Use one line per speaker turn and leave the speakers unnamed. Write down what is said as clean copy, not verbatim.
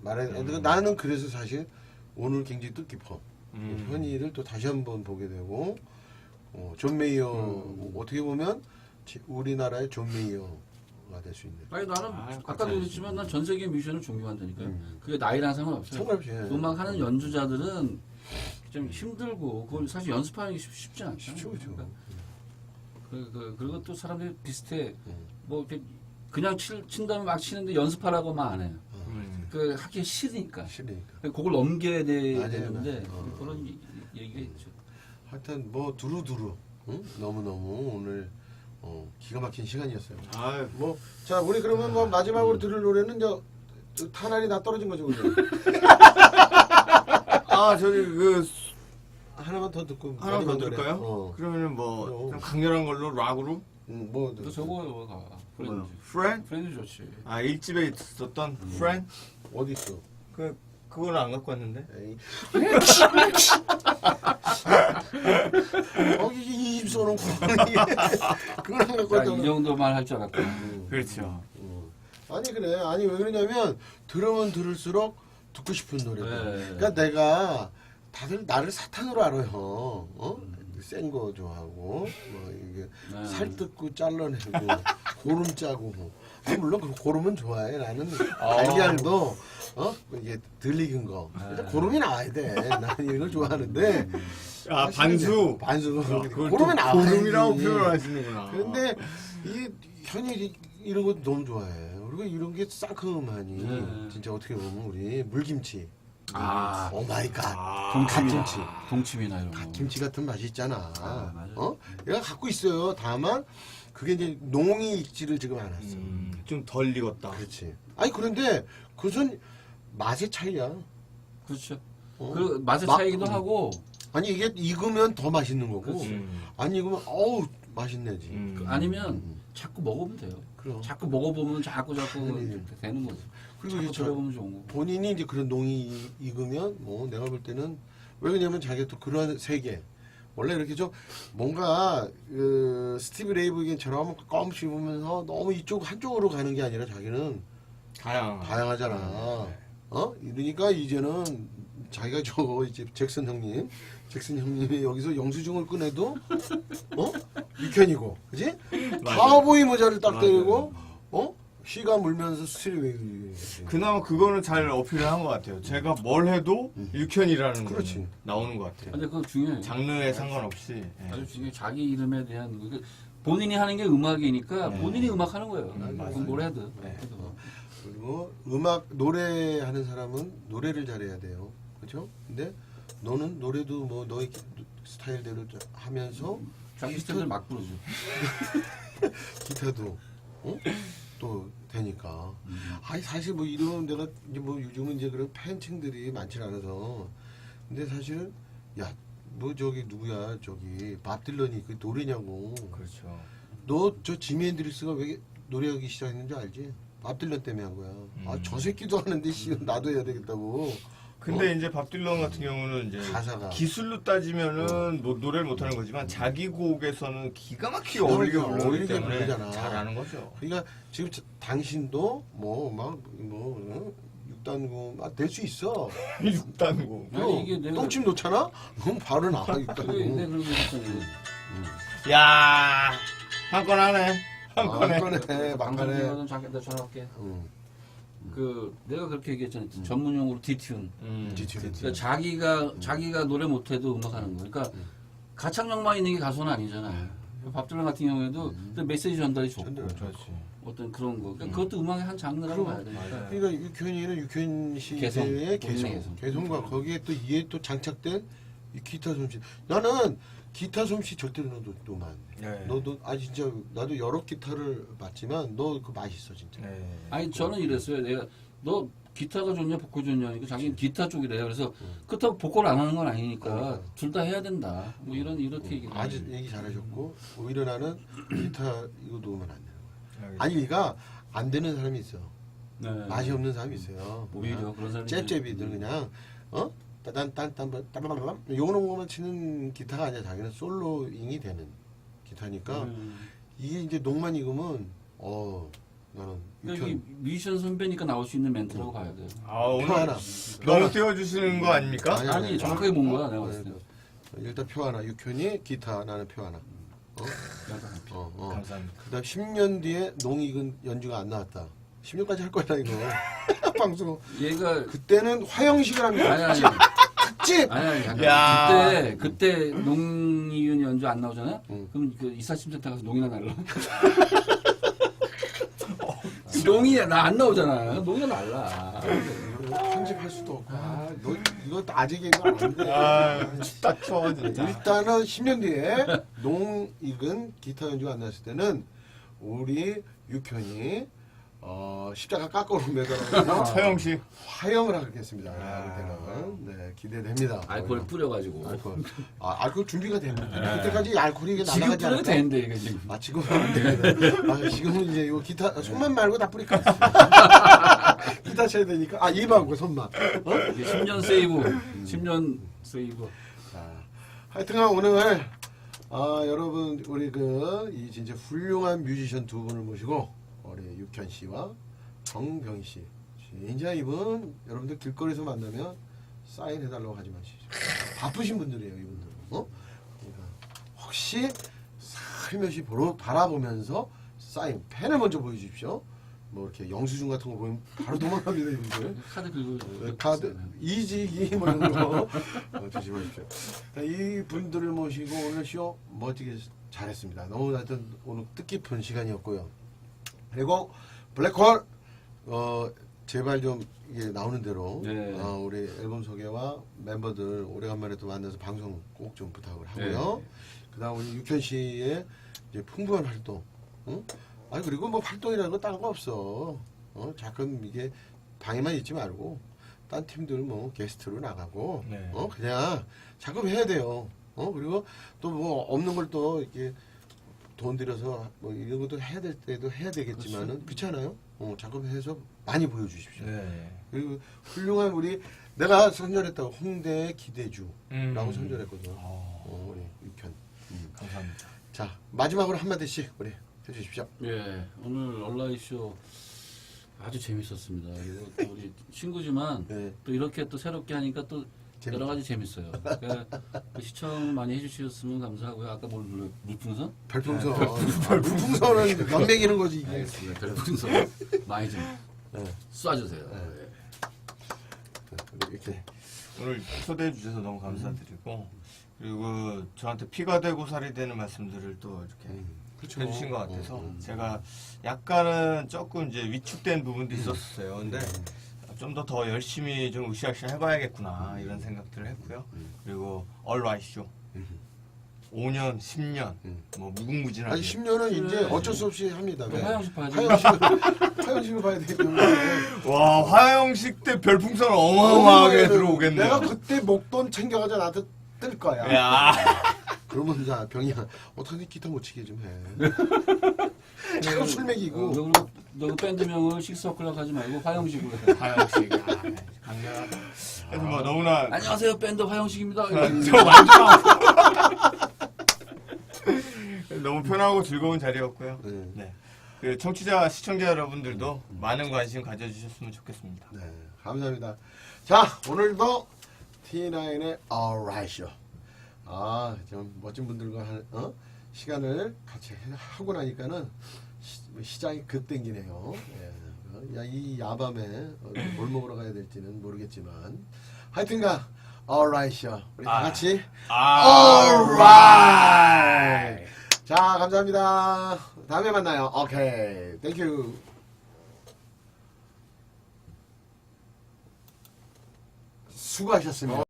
나는 그래서 사실 오늘 굉장히 뜻깊어. 현이를 또 다시 한번 보게 되고, 존 메이어, 어떻게 보면 우리나라의 존 메이어가 될 수 있는.
아니 나는 아까도 얘기했지만 난 전 세계 뮤지션을 존경한다니까요. 그게 나이랑 상관없어요.
상관없이.
음악하는 연주자들은 좀 힘들고 그걸 사실 연습하는 게 쉽지 않잖아요.
쉽죠.
그리고 또 사람들이 비슷해. 뭐 이렇게 그냥 친 다음에 막 치는데 연습하라고만 안 해요. 그 하기 싫으니까. 그걸 넘겨야 되는데 그런 얘기가 있죠.
하여튼 뭐 두루두루 너무너무 오늘 기가 막힌 시간이었어요. 자 우리 그러면 뭐 마지막으로 들을 노래는 저 탄알이 나 떨어진 거죠, 그죠?
저기
하나만 더 듣고
하나 더 들을까요? 그러면은 뭐 좀 강렬한 걸로 락으로?
뭐
저거 프렌즈.
프렌드?
프렌즈 좋지.
1집에 있었던 프렌드?
어디 있어?
그거는 안 갖고 왔는데.
에이. 이 입소는 그걸 안 갖고 왔잖아.
이 정도만 할 줄 알았다.
그렇죠.
아니 그래. 아니 왜 그러냐면 들으면 들을수록 듣고 싶은 노래들.
네.
그러니까 내가 다들 나를 사탄으로 알아요. 센 거 좋아하고 뭐 이게 살뜯고 잘라내고 고름 짜고 물론 그 고름은 좋아해. 나는 달걀도 이게 덜 익은 거 고름이 나와야 돼. 나는 이런 걸 좋아하는데
반수
고름이 나와야
고름이라고 표현하시는구나.
그런데 이게 현일이 이런 것도 너무 좋아해. 그리고 이런 게 상큼하니 진짜 어떻게 보면 우리 물김치. 오 마이 갓. 갓김치.
동치미나 이런 거.
갓김치 같은 맛이 있잖아.
맞아요.
얘가 갖고 있어요. 다만 그게 이제 농이 익지를 지금 않았어.
좀 덜 익었다.
그렇지. 아니 그런데 그것은 맛의 차이야.
그렇죠. 그 맛의 차이기도 하고.
아니 이게 익으면 더 맛있는 거고.
그렇지.
안 익으면 어우 맛있네지.
아니면 자꾸 먹으면 돼요.
그럼.
자꾸 먹어보면 자꾸 되는 거죠.
그리고
자꾸
이제
들어보면 좋은 거고.
본인이 이제 그런 농이 익으면 뭐 내가 볼 때는 왜 그러냐면 자기가 또 그런 세계 원래 이렇게 좀 뭔가 스티브 레이브겐처럼 껌 씹으면서 너무 이쪽 한쪽으로 가는 게 아니라 자기는 다양하잖아. 이러니까 이제는 자기가 저 이제 잭슨 형님이 여기서 영수증을 꺼내도 육현이고, 그지? 카우보이 모자를 딱 때리고, 휘가 물면서 스트리웨이.
그나마 그거는 잘 어필을 한 것 같아요. 제가 뭘 해도 육현이라는 거 나오는 것 같아요.
근데 그거 중요해요.
장르에 상관없이.
아주 중요해. 자기 이름에 대한 본인이 하는 게 음악이니까 본인이 음악 하는 거예요. 뭘 해도.
그리고 노래하는 사람은 노래를 잘해야 돼요. 그렇죠? 근데 너는 노래도 뭐 너의 스타일대로 하면서
자기 스타일을 막 부르죠.
기타도 또 되니까. 아니 사실 뭐 이런 내가 이제 뭐 요즘은 이제 그런 팬층들이 많지 않아서. 근데 사실은 뭐 저기 누구야 저기 밥 딜런이 그 노래냐고.
그렇죠.
너 저 지미 앤드릭스가 왜 노래하기 시작했는지 알지? 밥 딜런 때문에 한 거야. 저 새끼도 하는데 나도 해야 되겠다고.
근데 이제 밥 딜런 같은 경우는 이제
가사가
기술로 따지면은 뭐 노래를 못하는 거지만 자기 곡에서는 기가 막히게 어울리게 부르기 때문에
부르잖아.
잘하는 거죠.
그러니까 지금 당신도 육단구 될 수 있어.
6단고.
아니, 이게 내가-
똥침 놓잖아? 그럼 바로 나와
근데
육단구.
그런 게 있었잖아요.
야, 한 건 하네. 한 건에.
막간에
방송이거든. 잠깐 내가 전화할게. 내가 그렇게 얘기했잖아요. 전문용어로 디튠. 그러니까 자기가 노래 못해도 음악하는 거. 그러니까 가창력만 있는 게 가수는 아니잖아요. 밥들랑 같은 경우에도 메시지 전달이 좋고 어떤 그런 거. 그러니까 그것도 음악의 한 장르라고 봐야 되니까.
그러니까 육현이는 육현 씨의 개성과 거기에 또 이에 또 장착된 이 기타 솜씨. 나는 기타 솜씨 절대로 너도 안 돼. 너도 진짜 나도 여러 기타를 봤지만 너 그 맛있어 진짜.
아니 저는 이랬어요. 내가 너 기타가 좋냐 보컬 좋냐 하니까 자기는 기타 쪽이래요. 그래서 그렇다고 보컬 안 하는 건 아니니까 둘 다 해야 된다. 뭐 이렇게 얘기.
아주 얘기 잘하셨고 오히려 나는 기타 이거 놓으면 안 되는 거야. 아니 그러니까 안 되는 사람이 있어. 맛이 없는 사람이 있어요.
오히려 그런 사람이
잽잽이들 그냥 요런 거만 치는 기타가 아니라 자기는 솔로잉이 되는 기타니까 이게 이제 농만 익으면 나는
여기 뮤지션 선배니까 나올 수 있는 멘트라고 봐야 돼요.
아, 오늘
표 하나.
너무 띄워주시는 거 아닙니까?
아니 정확하게 본 거야 내가 봤을 때.
일단 표 하나. 육현이 기타, 나는 표 하나.
감사합니다.
그다음 10년 뒤에 농익은 연주가 안 나왔다. 10년까지 할 거야 이거. 방송.
얘가
그때는 화영식을 합니다.
아니
특집.
아니 잠깐.
야.
그때 농이윤 연주 안 나오잖아.
응.
그럼 그 이사심센터 가서 농이나 날라. 농이 나 안 나오잖아. 농이나 날라.
편집할 수도 없고. 너 이거 아직 얘기가 안 돼.
아, 춥다 추워 진짜.
일단은 10년 뒤에 농익은 기타 연주가 안 나왔을 때는 우리 육현이 십자가 깎아로 매달아서
서영식.
화형을 하겠습니다. 그때는 네 기대됩니다.
알코올 뿌려가지고.
알코올 준비가 됩니다. 그때까지 알코올이 이게
지금
날아가지
뿌려도
않을까?
되는데 이게 지금.
지금은 안 됩니다. 지금은 이제 요 기타 손만 말고 다 뿌릴까? 기타 쳐야 되니까 입하고 손만.
이게 10년 세이브. 10년 세이브.
하여튼간 오늘 여러분 우리 이 진짜 훌륭한 뮤지션 두 분을 모시고 우리 육현 씨와 정병희 씨 진짜 이분 여러분들 길거리에서 만나면 사인 해달라고 하지 마시죠. 바쁘신 분들이에요 이분들. 그러니까 혹시 살며시 바라보면서 사인 펜을 먼저 보여주십시오. 뭐 이렇게 영수증 같은 거 보면 바로 도망갑니다 이분들.
카드 긁고.
카드 이직이 뭐 이런 거 조심하십시오. 이 분들을 모시고 오늘 쇼 멋지게 잘했습니다. 너무 하여튼 오늘 뜻깊은 시간이었고요. 그리고 블랙홀 제발 좀 이게 나오는 대로
네.
우리 앨범 소개와 멤버들 오래간만에 또 만나서 방송 꼭 좀 부탁을 하고요.
네.
그다음 우리 육현 씨의 이제 풍부한 활동. 그리고 뭐 활동이라는 거 다른 거 없어. 가끔 이게 방에만 있지 말고 딴 팀들 뭐 게스트로 나가고
네.
그냥 자꾸 해야 돼요. 그리고 또 뭐 없는 걸 또 이렇게 돈 들여서 뭐 이런 것도 해야 될 때도 해야 되겠지만은 그렇지 않아요? 자꾸 해서 많이 보여주십시오.
네.
그리고 훌륭한 내가 선전했다고 홍대의 기대주라고 선전했거든요. 우리 육현.
감사합니다.
자 마지막으로 한 마디씩 우리 해주십시오.
예, 오늘 온라인쇼 아주 재밌었습니다. 이거 또 우리 친구지만
네.
또 이렇게 또 새롭게 하니까 또
재밌죠.
여러 가지 재밌어요. 그러니까 시청 많이 해주셨으면 감사하고요. 아까 뭘 불러요? 물풍선?
별풍선. 별풍선은 연맹이는 거지 이게.
알겠습니다. 별풍선 많이 좀
네.
쏴주세요.
네.
예.
이렇게.
오늘 초대해 주셔서 너무 감사드리고 그리고 저한테 피가 되고 살이 되는 말씀들을 또 이렇게
그렇죠.
해주신 것 같아서 제가 약간은 조금 이제 위축된 부분도 있었어요. 근데 좀 더 열심히 좀 으쌰으쌰 해봐야겠구나 이런 생각들을 했고요. 그리고 얼라이쇼 5년, 10년 뭐 무궁무진하게
아니 10년은 이제 어쩔 수 없이 합니다.
또 화영식 봐야 돼.
화영식을 봐야 되기 때문에.
와 화영식 때 별풍선 어마어마하게 들어오겠네요.
내가 그때 목돈 챙겨가지고 나한테 뜰 거야.
야.
그러면 자 병이야 어떻게 기타 못 치게 좀 해. 자꾸 술 먹이고.
너 밴드명을 식스어클락 하지 말고 화영식으로 해.
화영식 강렬하다. 그래서 뭐 너무나
안녕하세요 밴드 화영식입니다.
저 완전 너무 편하고 즐거운 자리였고요. 네. 그 청취자 시청자 여러분들도 많은 관심 가져주셨으면 좋겠습니다.
네, 감사합니다. 자, 오늘도 T9의 Alright Show. 좀 멋진 분들과 시간을 같이 하고 나니까는 시장이 급 땡기네요. 예. 이 야밤에 뭘 먹으러 가야 될지는 모르겠지만 하여튼간 Alright Show. 우리 다 같이 Alright. 자, 감사합니다. 다음에 만나요. 오케이. 땡큐. 수고하셨습니다.